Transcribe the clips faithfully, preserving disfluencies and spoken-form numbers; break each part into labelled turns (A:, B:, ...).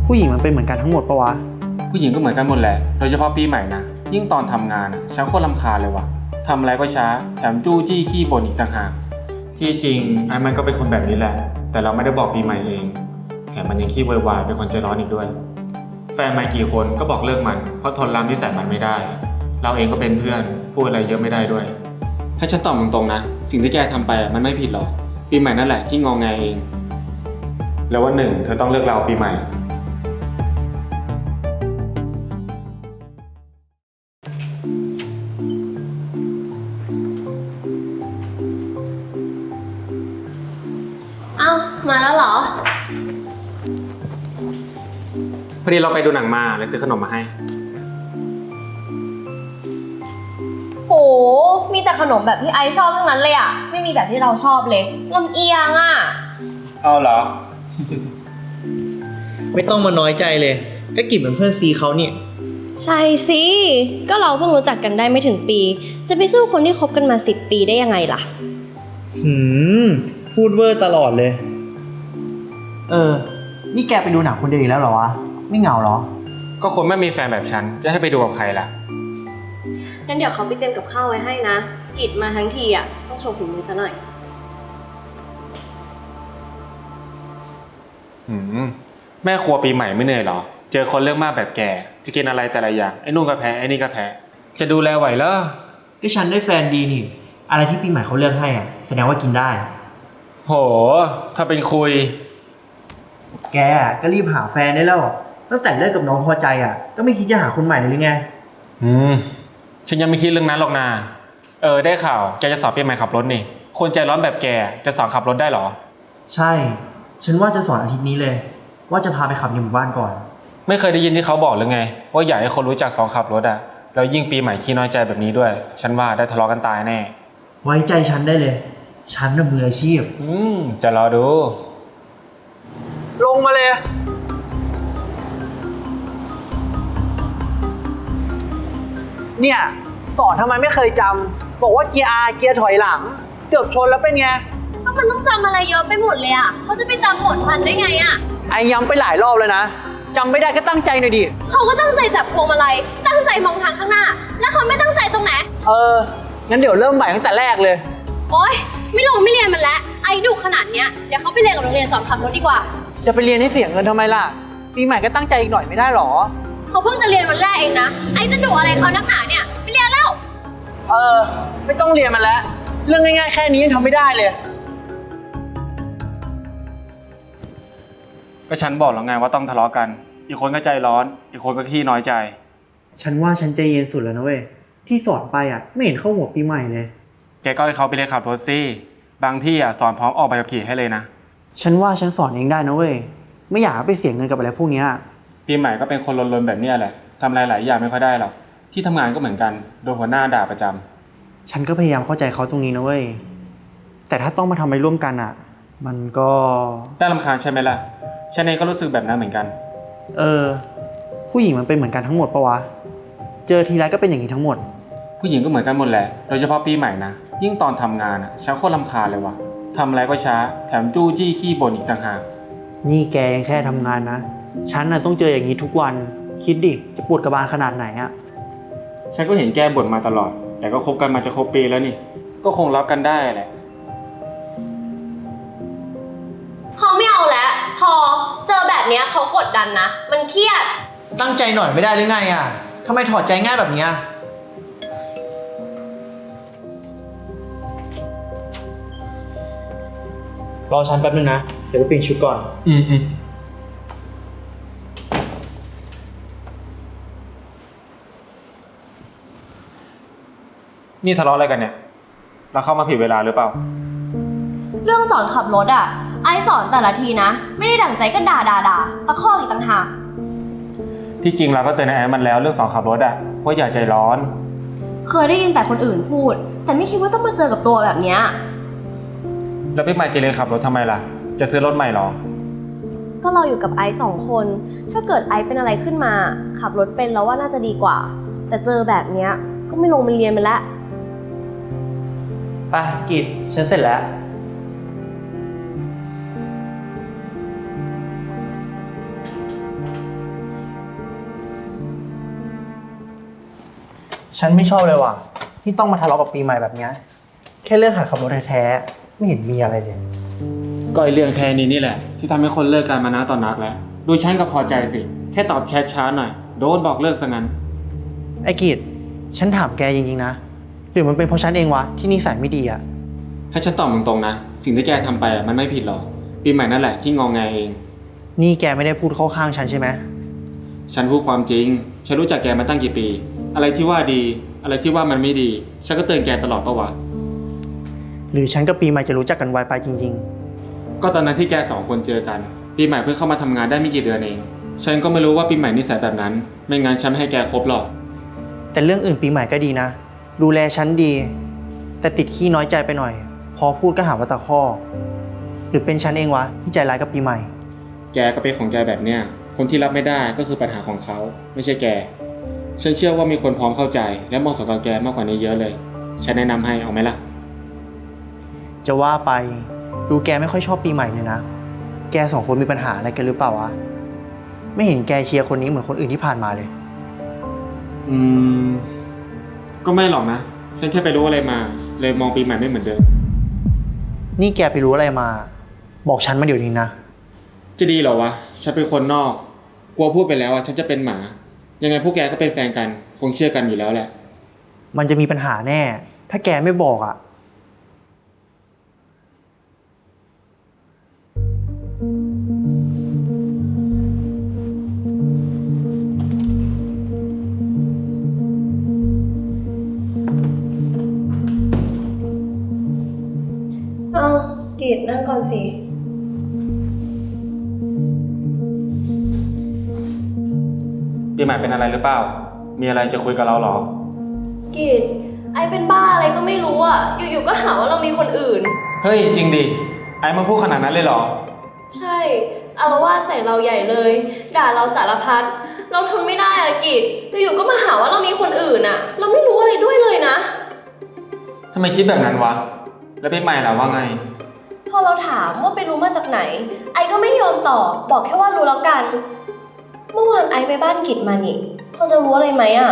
A: ผู้หญิงมันเป็นเหมือนกันทั้งหมดปะวะ
B: ผู้หญิงก็เหมือนกันหมดแหละโดยเฉพาะปีใหม่นะยิ่งตอนทำงานฉันโคตรรำคาญเลยว่ะทำอะไรก็ช้าแถมจู้จี้ขี้บ่นอีกต่างหากที่จริงไอ้มันก็เป็นคนแบบนี้แหละแต่เราไม่ได้บอกปีใหม่เองแถมมันยังขี้วายๆเป็นคนใจร้อนอีกด้วยแฟนมากี่คนก็บอกเลิกมันเพราะทนรำนิสัยมันไม่ได้เราเองก็เป็นเพื่อนพูดอะไรเยอะไม่ได้ด้วยให้ฉันตอบตรงๆนะสิ่งที่แกทำไปมันไม่ผิดหรอกปีใหม่นั่นแหละที่งอแงเองแล้ววันหนึ่งเธอต้องเลิกเราปีใหม่
C: เอ้ามาแล้วเหรอ
B: พอดีเราไปดูหนังมาเลยซื้อขนมมาให้
C: โหมีแต่ขนมแบบที่ไอซ์ชอบทั้งนั้นเลยอ่ะไม่มีแบบที่เราชอบเลยลำเอียงอ่ะ
B: เอาเหรอ
A: ไม่ต้องมาน้อยใจเลยก็กิบเป็นเพื่อนซีเขาเนี่ย
C: ใช่สิก็เราเพิ่งรู้จักกันได้ไม่ถึงปีจะไปสู้คนที่คบกันมาสิบปีได้ยังไงล่ะ
A: หืมพูดเวอร์ตลอดเลยเออนี่แกไปดูหนังคนเดียวอีกแล้วเหรอวะไม่เหงาเหรอ
B: ก็คนไม่มีแฟนแบบฉันจะให้ไปดูกับใครล่ะ
C: งั้นเดี๋ยวเขาไปเตรียมกับข้าวไว้ให้นะกิจมาทั้งทีอ่ะต้องโชว์ฝีมือซะหน่อย
B: หืมแม่ครัวปีใหม่ไม่เหนื่อยเหรอเจอคนเรื่องมากแบบแกจะกินอะไรแต่ละอย่างไอ้นู่นก็แพ้ไอ้นี่ก็แพ้จะดูแลไหวเหรอ
A: ก็ฉันได้แฟนดีนี่อะไรที่ปีใหม่เขาเลือกให้อ่ะแสดงว่ากินได้
B: โหถ้าเป็นคุย
A: แกก็รีบหาแฟนได้แล้วตั้งแต่เลิกกับน้องพอใจอ่ะก็ไม่คิดจะหาคนใหม่เลยหรือไง
B: อืมฉันยังไม่คิดเรื่องนั้นหรอกนาเออได้ข่าวแกจะสอนปีใหม่ขับรถนี่คนใจร้อนแบบแกจะสอนขับรถได้หรอ
A: ใช่ฉันว่าจะสอนอาทิตย์นี้เลยว่าจะพาไปขับในหมู่บ้านก่อน
B: ไม่เคยได้ยินที่เขาบอกหรือไงว่าอยากให้คนรู้จักสอนขับรถอ่ะแล้วยิ่งปีใหม่ขี้น้อยใจแบบนี้ด้วยฉันว่าได้ทะเลาะกันตายแน่
A: ไว้ใจฉันได้เลยฉันน่ะมืออาชีพ
B: อืมจะรอดู
A: ลงมาเลยเนี่ยสอนทำไมไม่เคยจำบอกว่าเกียร์ R เกียร์ถอยหลังเกือบชนแล้วเป็นไง
C: ก็มันต้องจำอะไรเยอะไปหมดเลยอ่ะเขาจะไปจำหมดทันได้ไงอ่ะ
A: ไอ้ย้ำไปหลายรอบเลยนะจำไม่ได้ก็ตั้งใจหน่อยดิ
C: เขาก็ตั้งใจจับพวงมาลัยตั้งใจมองทางข้างหน้าแล้วเขาไม่ตั้งใจตรงไหน
A: เอองั้นเดี๋ยวเริ่มใหม่ตั้งแต่แรกเลย
C: โอ๊ยไม่ลงไม่เรียนมันแล้วไอ้ดุขนาดเนี้ยเดี๋ยวเขาไปเรียนกับโรงเรียนสอนขับรถดีกว่า
A: จะไปเรียนให้เสียเงินทำไมล่ะปีใหม่ก็ตั้งใจอีกหน่อยไม่ได้หรอ
C: เขาเพิ่งจะเรียนวันแรกเองนะไอ้จะดุอะไรเขานักหนาเนี่ยไปเรียนแล้ว
A: เออไม่ต้องเรียนมันแล้วเรื่องง่ายๆแค่นี้ยังทำไม่ได้เลย
B: ก็ฉันบอกแล้วไงว่าต้องทะเลาะกันอีกคนก็ใจร้อนอีกคนก็ขี้น้อยใจ
A: ฉันว่าฉันใจเย็นสุดแล้วนะเว้ยที่สอนไปอ่ะไม่เห็นเข้าหัวปีใหม่เลย
B: แกก็ให้เขาไปเรียนขับรถสิบางที่อ่ะสอนพร้อมออกใบขับขี่ให้เลยนะ
A: ฉันว่าฉันสอนเองได้นะเว้ยไม่อยากไปเสียเงินกับอะไรพวกนี้
B: ปีใหม่ก็เป็นคนลนๆแบบนี้แหละทำอะไรหลายอย่างไม่ค่อยได้หรอกที่ทำงานก็เหมือนกันโดนหัวหน้าด่าประจ
A: ำฉันก็พยายามเข้าใจเขาตรงนี้นะเว้ยแต่ถ้าต้องมาทำอะไรร่วมกันอ่ะมันก็
B: น่ารำคาญใช่ไหมล่ะฉันเองก็รู้สึกแบบนั้นเหมือนกัน
A: เออผู้หญิงมันเป็นเหมือนกันทั้งหมดปะวะเจอทีไรก็เป็นอย่างนี้ทั้งหมด
B: ผู้หญิงก็เหมือนกันหมดแหละโดยเฉพาะปีใหม่นะยิ่งตอนทำงานอ่ะฉันโคตรรำคาญเลยว่ะทำอะไรก็ช้าแถมจู้จี้ขี้บ่นอีกต่างหาก
A: นี่แกยังแค่ทำงานนะฉันน่ะต้องเจออย่างนี้ทุกวันคิดดิจะปวดกระบาลขนาดไหนอ่ะ
B: ฉันก็เห็นแกบ่นมาตลอดแต่ก็คบกันมาจะครบปีแล้วนี่ก็คงรับกันได้แหละ
C: เขาไม่เอาแล้วพอเจอแบบนี้เขากดดันนะมันเครียด
A: ตั้งใจหน่อยไม่ได้หรือไงอ่ะทำไมถอดใจง่ายแบบนี้รอฉันแป๊บนึงนะเดี๋ยวไปเปลี่ยนชุดก่อน
B: อืมอืมนี่ทะเลาะอะไรกันเนี่ยเราเข้ามาผิดเวลาหรือเปล่า
C: เรื่องสอนขับรถอ่ะไอสอนแต่ละทีนะไม่ได้ดั่งใจก็ด่าด่าด่าตะคอกอีกต่างหาก
B: ที่จริงเราก็เตือนไอ้มันแล้วเรื่องสอนขับรถอ่ะว่าอย่าใจร้อน
C: เคยได้ยินแต่คนอื่นพูดแต่ไม่คิดว่าต้องมาเจอกับตัวแบบเนี้ย
B: แล้วพี่ใหม่จะเรียนขับรถทำไมล่ะจะซื้อรถใหม่หรอ
C: ก็เราอยู่กับไอซ์สองคนถ้าเกิดไอซ์เป็นอะไรขึ้นมาขับรถเป็นเราว่าน่าจะดีกว่าแต่เจอแบบเนี้ยก็ไม่ลงมาเรียนไปแล้ว
A: ไปกิจฉันเสร็จแล้ว
C: อ
A: ฉันไม่ชอบเลยว่ะที่ต้องมาทะเลาะกับปีใหม่แบบเนี้ยแค่เรื่องหัดขับรถแท้ๆไม่เห็นมีอะไรเลย
B: ก็ไอเรื่องแค่นี้นี่แหละที่ทำให้คนเลิกกันมานะตอนนักแล้วดูฉันก็พอใจสิแค่ตอบแชทช้าหน่อยโดนบอกเลิกซะงั้น
A: ไอ้กิจฉันถามแกจริงๆนะหรือมันเป็นเพราะฉันเองวะที่นิสัยไม่ดีอะ
B: ให้ฉันตอบตรงๆนะสิ่งที่แกทำไปอะมันไม่ผิดหรอกปีใหม่นั่นแหละที่งองแงเอง
A: นี่แกไม่ได้พูดเข้าข้างฉันใช่ไหม
B: ฉันพูดความจริงฉันรู้จักแกมาตั้งกี่ปี อะไรที่ว่าดี อะไรที่ว่ามันไม่ดีฉันก็เตือนแกตลอดปะวะ
A: หรือฉันกับปีใหม่จะรู้จักกันไวไปจริง
B: ก็ตอนนั้นที่แกสองคนเจอกันปีใหม่เพิ่งเข้ามาทำงานได้ไม่กี่เดือนเองฉันก็ไม่รู้ว่าปีใหม่นิสัยแบบนั้นไม่งั้นฉันไม่ให้แกคบหรอก
A: ๆ แต่เรื่องอื่นปีใหม่ก็ดีนะดูแลฉันดี แต่ติดขี้น้อยใจไปหน่อย พอพูดก็หาว่าตะคอกหรือเป็นฉันเองวะที่ใจร้ายกับปีใหม่
B: แกก็เป็นของแกแบบเนี้ยคนที่รับไม่ได้ก็คือปัญหาของเขาไม่ใช่แกฉันเชื่อว่ามีคนพร้อมเข้าใจและเหมาะสมกับแกมากกว่านี้เยอะเลยฉันแนะนำให้เอาไหมล่ะ
A: จะว่าไปดูแกไม่ค่อยชอบปีใหม่เลยนะแกสองคนมีปัญหาอะไรกันหรือเปล่าวะไม่เห็นแกเชียร์คนนี้เหมือนคนอื่นที่ผ่านมาเลย
B: อืมก็ไม่หรอกนะฉันแค่ไปรู้อะไรมาเลยมองปีใหม่ไม่เหมือนเดิม
A: นี่แกไปรู้อะไรมา บอกฉันมาเดี๋ยวนี้นะ
B: จะดีเหรอวะฉันเป็นคนนอกกลัวพูดไปแล้วอ่ะฉันจะเป็นหมายังไงพวกแกก็เป็นแฟนกันคงเชื่อกันอยู่แล้วแหละ
A: มันจะมีปัญหาแน่ ถ้าแกไม่บอกอะ่ะ
C: เอากิจนั่งก่อนสิ
B: ปีใหม่เป็นอะไรหรือเปล่ามีอะไรจะคุยกับเราเหรอ
C: กิจไอเป็นบ้าอะไรก็ไม่รู้อ่ะ อยู่ๆก็หาว่าเรามีคนอื่น
B: เฮ้ยจริงดิไอ้มันพูดขนาดนั้นเลยเหรอ
C: ใช่อารวาสใส่เราใหญ่เลย ด่าเราสารพัด เราทนไม่ได้อะกิจอยู่ๆก็มาหาว่าเรามีคนอื่นอ่ะ เราไม่รู้อะไรด้วยเลยนะ
B: ทำไมคิดแบบนั้นวะแล้วปีใหม่ล่ะว่าไง
C: พอเราถามว่าไปรู้มาจากไหน ไอก็ไม่ยอมตอบ บอกแค่ว่ารู้แล้วกัน เมื่อวานไอไปบ้านกิจมานี่พอจะรู้อะไรไหมอ่ะ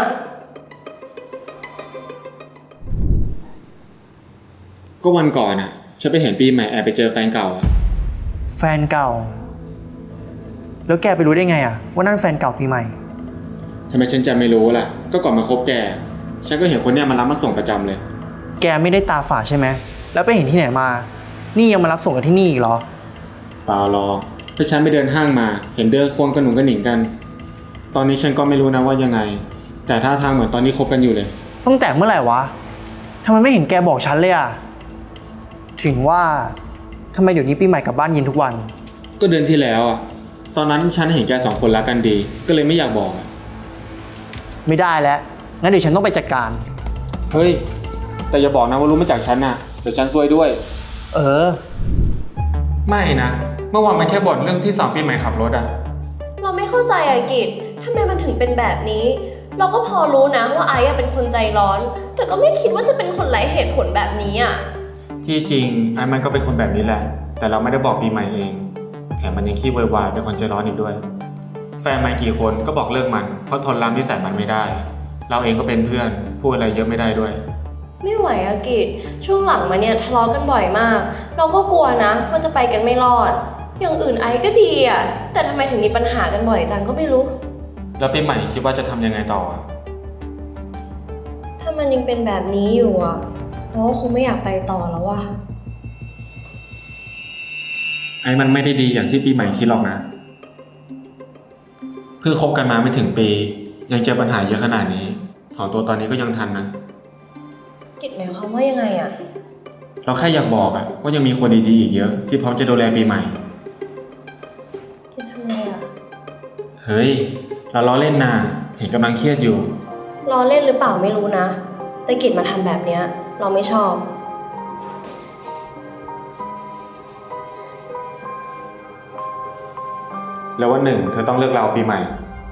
B: ก็วันก่อนอ่ะฉันไปเห็นปีใหม่แอบไปเจอแฟนเก่าอ่ะ
A: แฟนเก่า แล้วแกไปรู้ได้ไงอะ่ะว่านั่นแฟนเก่าปีใหม่
B: ทำไมฉันจะไม่รู้ล่ะก็ก่อนมาคบแกฉันก็เห็นคนเนี้ยมารับมาส่งประจำเลย
A: แกไม่ได้ตาฝาดใช่ไหม แล้วไปเห็นที่ไหนมา นี่ยังมารับส่งกันที่นี่อีกเหรอ
B: เปล่าหรอกถ้าฉันไปเดินห้างมาเห็นเดินควงกระหนุงกระหนิงกัน ตอนนี้ฉันก็ไม่รู้นะว่ายังไง แต่ท่าทางเหมือนตอนนี้คบกันอยู่เลย
A: ตั้งแต่เมื่อไหร่วะทำไมไม่เห็นแกบอกฉันเลยอะถึงว่าทำไมเดี๋ยวนี้ปีใหม่กลับบ้านเย็นทุกวัน
B: ก็เดือนที่แล้วอ่ะตอนนั้นฉันเห็นแกสองคนรักกันดี ก็เลยไม่อยากบอกอะ
A: ไม่ได้แล้ว งั้นเดี๋ยวฉันต้องไปจัดการ
B: เฮ้ยแต่อย่าบอกนะว่ารู้มาจากฉันนะเดี๋ยวฉันซวยด้วย
A: เออ
B: ไม่นะเมื่อวานมันแค่บ่นเรื่องที่สองปีใหม่ขับรถอ่ะ
C: เราไม่เข้าใจอะกิจทำไมมันถึงเป็นแบบนี้ เราก็พอรู้นะว่าไอ้อะเป็นคนใจร้อน แต่ก็ไม่คิดว่าจะเป็นคนไร้เหตุผลแบบนี้อะ
B: ที่จริงไอ้มันก็เป็นคนแบบนี้แหละ แต่เราไม่ได้บอกปีใหม่เองแถมมันยังขี้โวยวายเป็นคนใจร้อนอีกด้วย แฟนมันกี่คนก็บอกเลิกมันเพราะทนรับนิสัยมันไม่ได้ เราเองก็เป็นเพื่อนพูดอะไรเยอะไม่ได้ด้วย
C: ไม่ไหวอะกิจช่วงหลังมาเนี่ยทะเลาะกันบ่อยมาก เราก็กลัวนะว่าจะไปกันไม่รอด อย่างอื่นไอ้ก็ดีอะแต่ทำไมถึงมีปัญหากันบ่อยจังก็ไม่รู้
B: แล้วปีใหม่คิดว่าจะทำยังไงต่ออะ
C: ถ้ามันยังเป็นแบบนี้อยู่อะเราก็คงไม่อยากไปต่อแล้วว่ะ
B: ไอ้มันไม่ได้ดีอย่างที่ปีใหม่คิดหรอกนะเพิ่งคบกันมาไม่ถึงปี ยังเจอปัญหาเยอะขนาดนี้ถอนตัวตอนนี้ก็ยังทันนะ
C: กิจหมายความว่ายังไงอะ
B: เราแค่อยากบอกอะว่ายังมีคนดีๆอีกเยอะที่พร้อมจะดูแลปีใหม่
C: กิจทำไงอะ
B: เฮ้ยเราล้อเล่นนาเห็นกำลังเครียดอยู่
C: รอเล่นหรือเปล่าไม่รู้นะ แต่กิจมาทำแบบเนี้ยเราไม่ชอบ
B: แล้ววันหนึ่งเธอต้องเลิกเราปีใหม่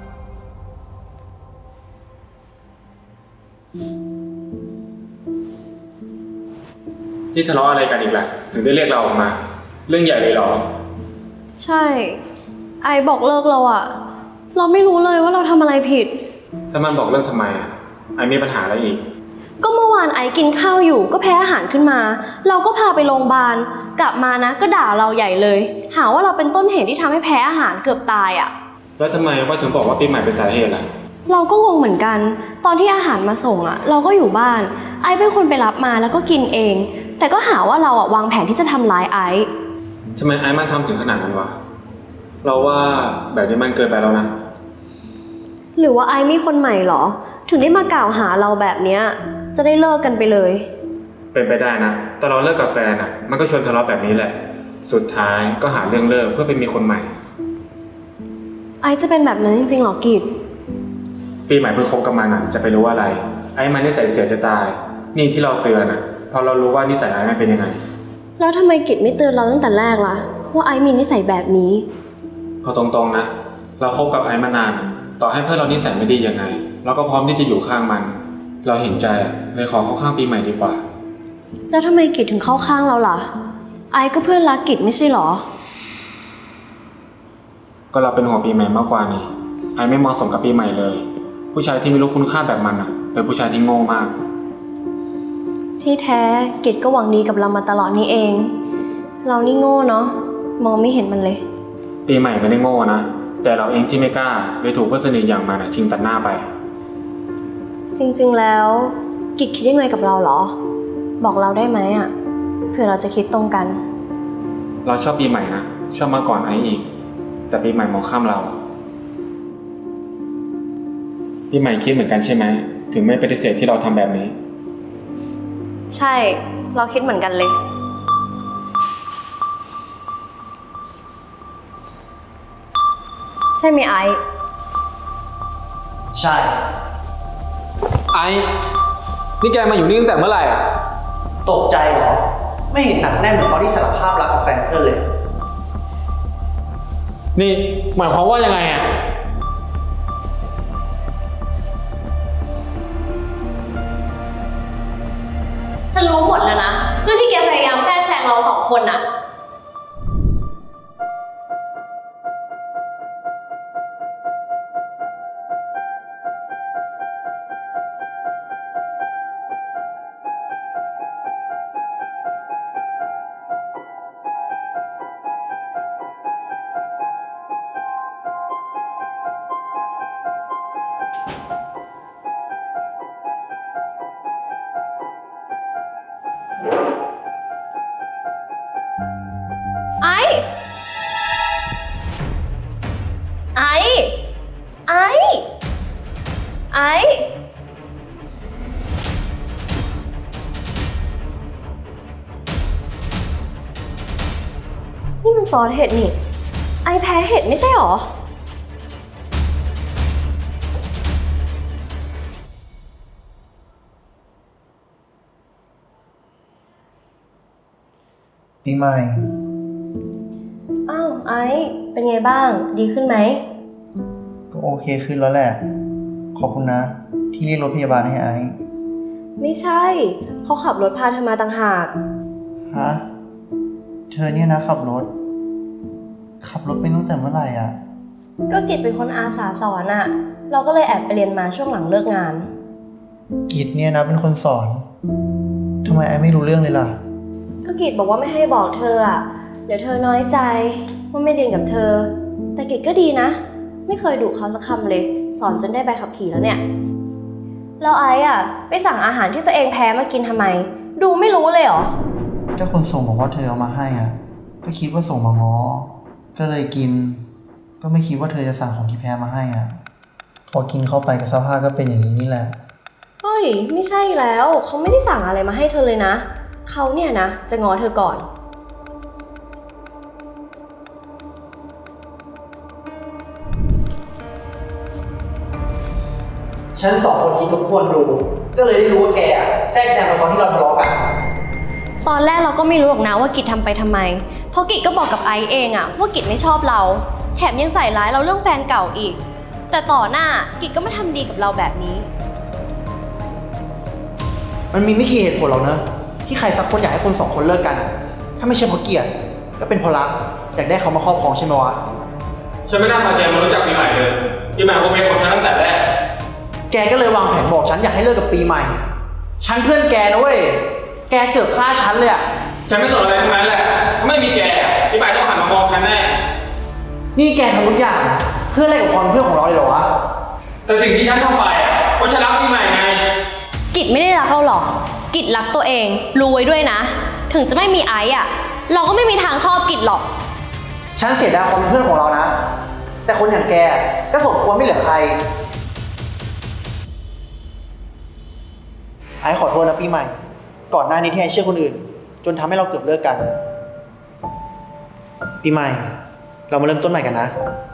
B: นี่ทะเลาะอะไรกันอีกล่ะถึงได้เรียกเราออกมา เรื่องใหญ่เลยเหรอ
C: ใช่ ไอบอกเลิกเราอะเราไม่รู้เลยว่าเราทำอะไรผิด
B: ถ้ามันบอกเลิกทำไมอะไอมีปัญหาอะไรอีก
C: ก็เมื่อวานไอซ์กินข้าวอยู่ก็แพ้อาหารขึ้นมา เราก็พาไปโรงพยาบาลกลับมานะก็ด่าเราใหญ่เลย หาว่าเราเป็นต้นเหตุที่ทำให้แพ้อาหารเกือบตายอ่ะ
B: แล้วทำไมว่าถึงบอกว่าปีใหม่เป็นสาเหตุล่ะ
C: เราก็งงเหมือนกัน ตอนที่อาหารมาส่งอ่ะ เราก็อยู่บ้าน ไอซ์เป็นคนไปรับมาแล้วก็กินเอง แต่ก็หาว่าเราอ่ะวางแผนที่จะทำร้ายไอซ์
B: ทำไมไอ้มันทำถึงขนาดนั้นวะ เราว่าแบบนี้มันเกินไปแล้วนะ
C: หรือว่าไอซ์มีคนใหม่เหรอ ถึงได้มากล่าวหาเราแบบเนี้ยจะได้เลิกกันไปเลย
B: เป็นไปได้นะตอนเราเลิกกับแฟนอ่ะ มันก็ชวนทะเลาะแบบนี้แหละ สุดท้ายก็หาเรื่องเลิกเพื่อไปมีคนใหม่
C: ไอซ์จะเป็นแบบนั้นจริงๆหรอกิจ
B: ปีใหม่เพิ่งคบกับมันอ่ะจะไปรู้อะไร ไอ้มันนิสัยเสียจะตาย นี่ที่เราเตือนอ่ะเพราะเรารู้ว่านิสัยไอ้มันเป็นยังไง
C: แล้วทำไมกิจไม่เตือนเราตั้งแต่แรกล่ะว่าไอซ์มีนิสัยแบบนี้
B: พอตรงๆนะ เราคบกับไอ้มานานอะต่อให้เพื่อนเรานิสัยไม่ดียังไง เราก็พร้อมที่จะอยู่ข้างมัน เราเห็นใจอะเลยขอเข้าข้างปีใหม่ดีกว่า
C: แล้วทำไมกิจถึงเข้าข้างเราล่ะ ไอซ์ก็เพื่อนรักกิจไม่ใช่หรอ
B: ก็เราเป็นห่วงปีใหม่มากกว่านี่ไอ้ไม่เหมาะสมกับปีใหม่เลย ผู้ชายที่ไม่รู้คุณค่าแบบมันอ่ะเป็นผู้ชายที่โง่มาก
C: ที่แท้กิจก็หวังดีกับเรามาตลอดนี่เอง เรานี่โง่เนาะมองไม่เห็นมันเลย
B: ปีใหม่ไม่ได้โง่นะแต่เราเองที่ไม่กล้าเลยถูกเพื่อนสนิทอย่างมันอะชิงตัดหน้าไป
C: จริงๆแล้วกิจคิดยังไงกับเราเหรอ บอกเราได้ไหมอ่ะเผื่อเราจะคิดตรงกัน
B: เราชอบปีใหม่นะชอบมาก่อนไอ้อีก แต่ปีใหม่มองข้ามเรา ปีใหม่คิดเหมือนกันใช่ไหมถึงไม่ปฏิเสธที่เราทำแบบนี้
C: ใช่เราคิดเหมือนกันเลยใช่ไหมไอซ์
A: ใช่
B: ไอ้นี่แกมาอยู่นี่ตั้งแต่เมื่อไหร่อ่ะ
A: ตกใจเหรอ ไม่เห็นหนักแน่นเหมือนตอนที่สารภาพรักกับแฟนเพื่อนเลย
B: นี่หมายความว่ายังไงอ่ะ
C: ฉันรู้หมดแล้วนะเรื่องที่แกพยายามแทรกแซงเราสองคนน่ะไอ้ไอ้ไอ้ไอ้นี่มันซอสเห็ดนี่ ไอ้แพ้เห็ดไม่ใช่หรอ
A: ปีใหม่
C: อ้าวไอ้เป็นไงบ้างดีขึ้นไหม
A: ก็โอเคขึ้นแล้วแหละ ขอบคุณนะ ที่เรียกรถพยาบาลให้ไอ้
C: ไม่ใช่เขาขับรถพาเธอมาต่างหาก
A: ฮะ เธอเนี่ยนะขับรถ ขับรถเป็นตั้งแต่เมื่อไหร่อ่ะ
C: ก็กิจเป็นคนอาสาสอนอะเราก็เลยแอบไปเรียนมาช่วงหลังเลิกงาน
A: กิจเนี่ยนะเป็นคนสอน ทำไมไอ้ไม่รู้เรื่องเลยล่ะ
C: ก็กิจบอกว่าไม่ให้บอกเธออะเดี๋ยวเธอน้อยใจว่าไม่เรียนกับเธอ แต่กิจก็ดีนะ ไม่เคยดุเขาสักคำเลย สอนจนได้ใบขับขี่แล้วเนี่ยแล้วไอ้อะไปสั่งอาหารที่ตัวเองแพ้มากินทำไม ดูไม่รู้เลยเหรอ
A: ก็คนส่งบอกว่าเธอเอามาให้อ่ะ ก็คิดว่าส่งมาง้อ ก็เลยกิน ก็ไม่คิดว่าเธอจะสั่งของที่แพ้มาให้อ่ะ พอกินเข้าไปกับสภาพก็เป็นอย่างนี้นี่แหละ
C: เฮ้ยไม่ใช่แล้วเขาไม่ได้สั่งอะไรมาให้เธอเลยนะเขาเนี่ยนะจะง้อเธอก่อน
A: ฉันสองคนคิดทบทวนดู ก็เลยได้รู้ว่าแกอะแทรกแซงมาตอนที่เราทะเลาะกัน
C: ตอนแรกเราก็ไม่รู้หรอกนะว่ากิจทำไปทำไม เพราะกิจก็บอกกับไอซ์เองอะว่ากิจไม่ชอบเรา แถมยังใส่ร้ายเราเรื่องแฟนเก่าอีก แต่ต่อหน้ากิจก็มาทำดีกับเราแบบนี้
A: มันมีไม่กี่เหตุผลหรอกเนอะที่ใครสักคนอยากให้คนสองคนเลิกกันอะถ้าไม่ใช่เพราะเกลียดก็เป็นเพราะรัก อยากได้เขามาครอบครองใช่ไหมวะ
B: ฉันไม่น่าพาแกมารู้จักปีใหม่เลยปีใหม่คงเป็นของฉันตั้งแต่แรก
A: แกก็เลยวางแผนบอกฉันอยากให้เลิกกับปีใหม่ ฉันเพื่อนแกนะเว้ย แกเกือบฆ่าฉันเลยอะ
B: ฉันไม่สนอะไรทั้งนั้นแหละถ้าไม่มีแกพี่ใหม่ต้องหันมามองฉันแน่
A: นี่แกทำทุกอย่างเพื่อแลกกับความเป็นเพื่อนของเราเลยเหรอวะ
B: แต่สิ่งที่ฉันทำไปอ่ะเพราะฉันรักพี่ใหม่ไง
C: กิจไม่ได้รักเราหรอก กิจรักตัวเอง รู้ไว้ด้วยนะ ถึงจะไม่มีไอซ์อะเราก็ไม่มีทางชอบกิจหรอก
A: ฉันเสียดายความเป็นเพื่อนของเรานะ แต่คนอย่างแกก็สมควรไม่เหลือใคร ไอ้ขอโทษนะปีใหม่ ก่อนหน้านี้ที่ไอ้เชื่อคนอื่น จนทำให้เราเกือบเลิกกัน ปีใหม่ เรามาเริ่มต้นใหม่กันนะ